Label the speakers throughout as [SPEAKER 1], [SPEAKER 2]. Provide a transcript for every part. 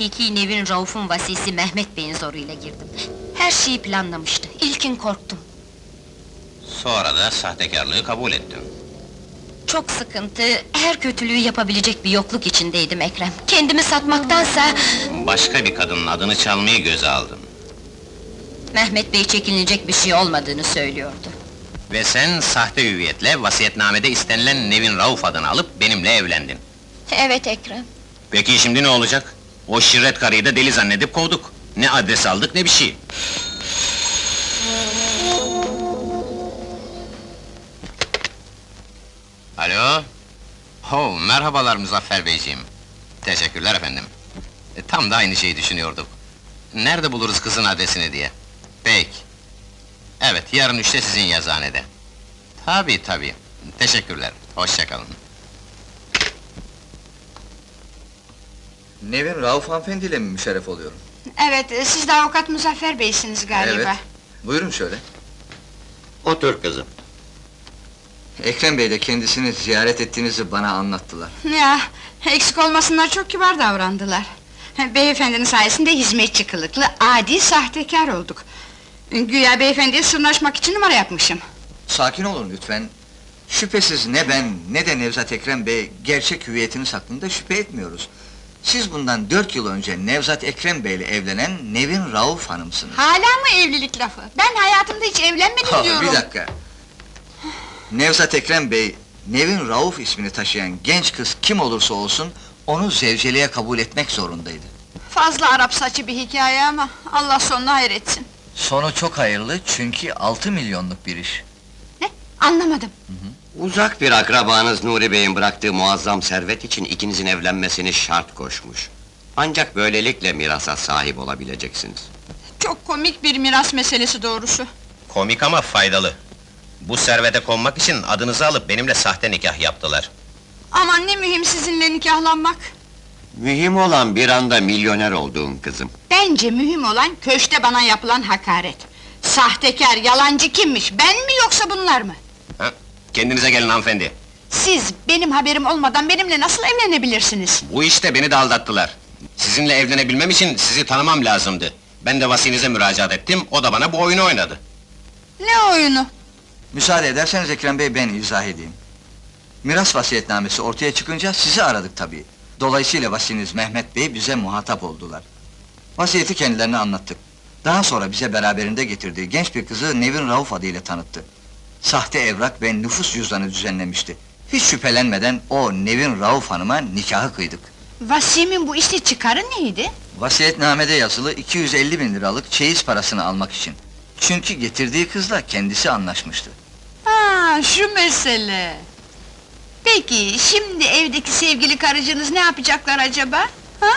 [SPEAKER 1] hakiki Nevin Rauf'un vasisi Mehmet Bey'in zoruyla girdim. Her şeyi planlamıştı, İlkin korktum.
[SPEAKER 2] Sonra da sahtekarlığı kabul ettim.
[SPEAKER 1] Çok sıkıntı, her kötülüğü yapabilecek bir yokluk içindeydim Ekrem. Kendimi satmaktansa...
[SPEAKER 2] Başka bir kadının adını çalmayı göze aldım.
[SPEAKER 1] Mehmet Bey çekinilecek bir şey olmadığını söylüyordu.
[SPEAKER 2] Ve sen sahte hüviyetle vasiyetnamede istenilen Nevin Rauf adını alıp benimle evlendin.
[SPEAKER 1] Evet Ekrem.
[SPEAKER 2] Peki şimdi ne olacak? O şirret karıyı da deli zannedip kovduk. Ne adres aldık ne bir şey. Alo? Oh, merhabalar Muzaffer Beyciğim. Teşekkürler efendim. Tam da aynı şeyi düşünüyorduk. Nerede buluruz kızın adresini diye. Peki. Evet, yarın 3'te sizin yazıhanede. Tabii tabii. Teşekkürler. Hoşça kalın.
[SPEAKER 3] Nevin Rauf hanımefendiyle mi müşerref oluyorum?
[SPEAKER 4] Evet, siz de avukat Muzaffer Bey'siniz galiba.
[SPEAKER 3] Evet. Buyurun şöyle.
[SPEAKER 2] Otur kızım.
[SPEAKER 3] Ekrem Bey de kendisini ziyaret ettiğinizi bana anlattılar.
[SPEAKER 4] Ya, eksik olmasınlar, çok kibar davrandılar. Beyefendinin sayesinde hizmetçi kılıklı, adi sahtekar olduk. Güya beyefendiye sırnaşmak için numara yapmışım.
[SPEAKER 3] Sakin olun lütfen. Şüphesiz ne ben ne de Nevzat Ekrem Bey gerçek hüviyetiniz hakkında şüphe etmiyoruz. Siz bundan 4 yıl önce Nevzat Ekrem Bey'le evlenen Nevin Rauf hanımsınız.
[SPEAKER 4] Hala mı evlilik lafı? Ben hayatımda hiç evlenmedim diyorum.
[SPEAKER 3] Bir dakika. Nevzat Ekrem Bey, Nevin Rauf ismini taşıyan genç kız kim olursa olsun, onu zevceliğe kabul etmek zorundaydı.
[SPEAKER 4] Fazla Arap saçı bir hikaye ama Allah sonuna hayretsin.
[SPEAKER 3] Sonu çok hayırlı çünkü 6 milyonluk bir iş.
[SPEAKER 4] Ne? Anlamadım.
[SPEAKER 5] Uzak bir akrabanız Nuri Bey'in bıraktığı muazzam servet için ikinizin evlenmesini şart koşmuş. Ancak böylelikle mirasa sahip olabileceksiniz.
[SPEAKER 4] Çok komik bir miras meselesi doğrusu.
[SPEAKER 2] Komik ama faydalı. Bu servete konmak için adınızı alıp benimle sahte nikah yaptılar.
[SPEAKER 4] Aman ne mühim sizinle nikahlanmak.
[SPEAKER 5] Mühim olan bir anda milyoner olduğun kızım.
[SPEAKER 4] Bence mühim olan köşte bana yapılan hakaret. Sahtekar, yalancı kimmiş? Ben mi yoksa bunlar mı?
[SPEAKER 2] Ha? Kendinize gelin hanımefendi.
[SPEAKER 4] Siz benim haberim olmadan benimle nasıl evlenebilirsiniz?
[SPEAKER 2] Bu işte beni de aldattılar. Sizinle evlenebilmem için sizi tanımam lazımdı. Ben de vasinize müracaat ettim, o da bana bu oyunu oynadı.
[SPEAKER 4] Ne oyunu?
[SPEAKER 3] Müsaade ederseniz Ekrem Bey ben izah edeyim. Miras vasiyetnamesi ortaya çıkınca sizi aradık tabii. Dolayısıyla vasiniz Mehmet Bey bize muhatap oldular. Vasiyeti kendilerine anlattık. Daha sonra bize beraberinde getirdiği genç bir kızı Nevin Rauf adıyla tanıttı. Sahte evrak ve nüfus cüzdanı düzenlemişti. Hiç şüphelenmeden o Nevin Rauf hanıma nikahı kıydık.
[SPEAKER 4] Vasimin bu işte çıkarı neydi?
[SPEAKER 3] Vasiyetnamede yazılı 250 bin liralık çeyiz parasını almak için. Çünkü getirdiği kızla kendisi anlaşmıştı.
[SPEAKER 4] Ha, şu mesele! Peki, şimdi evdeki sevgili karıcınız ne yapacaklar acaba? Ha?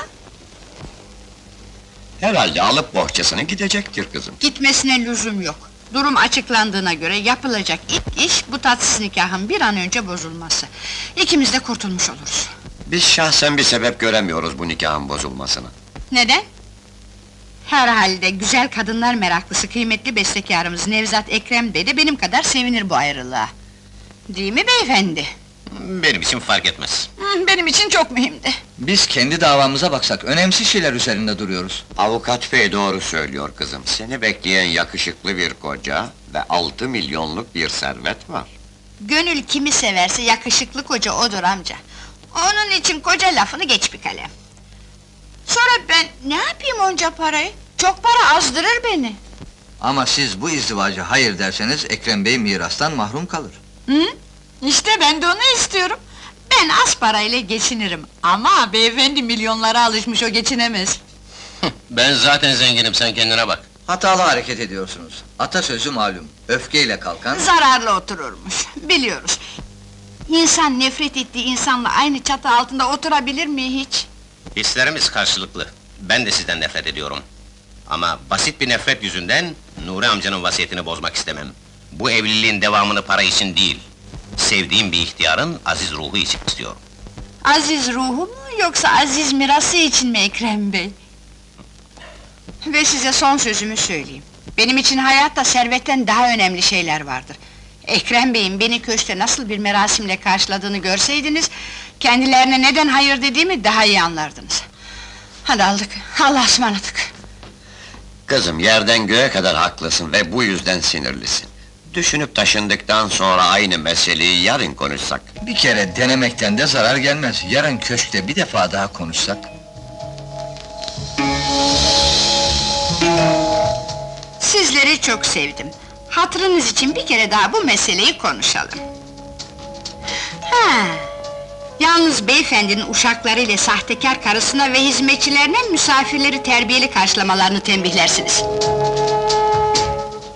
[SPEAKER 5] Herhalde alıp bohçasını gidecektir kızım.
[SPEAKER 4] Gitmesine lüzum yok. Durum açıklandığına göre yapılacak ilk iş bu tatsız nikahın bir an önce bozulması. İkimiz de kurtulmuş oluruz.
[SPEAKER 5] Biz şahsen bir sebep göremiyoruz bu nikahın bozulmasına.
[SPEAKER 4] Neden? Herhalde güzel kadınlar meraklısı kıymetli bestekarımız Nevzat Ekrem Bey de benim kadar sevinir bu ayrılığa. Değil mi beyefendi?
[SPEAKER 2] Benim için fark etmez.
[SPEAKER 4] Benim için çok mühimdi.
[SPEAKER 3] Biz kendi davamıza baksak önemsiz şeyler üzerinde duruyoruz.
[SPEAKER 5] Avukat bey doğru söylüyor kızım. Seni bekleyen yakışıklı bir koca ve 6 milyonluk bir servet var.
[SPEAKER 4] Gönül kimi severse yakışıklı koca odur amca. Onun için koca lafını geç bir kalem. Sonra ben ne yapayım onca parayı? Çok para azdırır beni.
[SPEAKER 3] Ama siz bu izdivaca hayır derseniz Ekrem Bey mirastan mahrum kalır.
[SPEAKER 4] Hı? İşte ben de onu istiyorum. Ben az parayla geçinirim. Ama beyefendi milyonlara alışmış, o geçinemez.
[SPEAKER 2] Ben zaten zenginim, sen kendine bak.
[SPEAKER 3] Hatalı hareket ediyorsunuz. Atasözü malum, öfkeyle kalkan...
[SPEAKER 4] Zararlı otururmuş, biliyoruz. İnsan nefret ettiği insanla aynı çatı altında oturabilir mi hiç?
[SPEAKER 2] Hislerimiz karşılıklı. Ben de sizden nefret ediyorum. Ama basit bir nefret yüzünden Nuri amcanın vasiyetini bozmak istemem. Bu evliliğin devamını para için değil, sevdiğim bir ihtiyarın aziz ruhu için istiyorum.
[SPEAKER 4] Aziz ruhu mu, yoksa aziz mirası için mi Ekrem Bey? Ve size son sözümü söyleyeyim. Benim için hayatta servetten daha önemli şeyler vardır. Ekrem Bey'in beni köşkte nasıl bir merasimle karşıladığını görseydiniz... ...kendilerine neden hayır dediğimi daha iyi anlardınız. Hadi aldık, Allah'a ısmarladık.
[SPEAKER 5] Kızım, yerden göğe kadar haklısın ve bu yüzden sinirlisin. Düşünüp taşındıktan sonra aynı meseleyi yarın konuşsak.
[SPEAKER 3] Bir kere denemekten de zarar gelmez. Yarın köşkte bir defa daha konuşsak.
[SPEAKER 4] Sizleri çok sevdim. Hatırınız için bir kere daha bu meseleyi konuşalım. Ha, yalnız beyefendinin uşaklarıyla sahtekar karısına ve hizmetçilerine misafirleri terbiyeli karşılamalarını tembihlersiniz.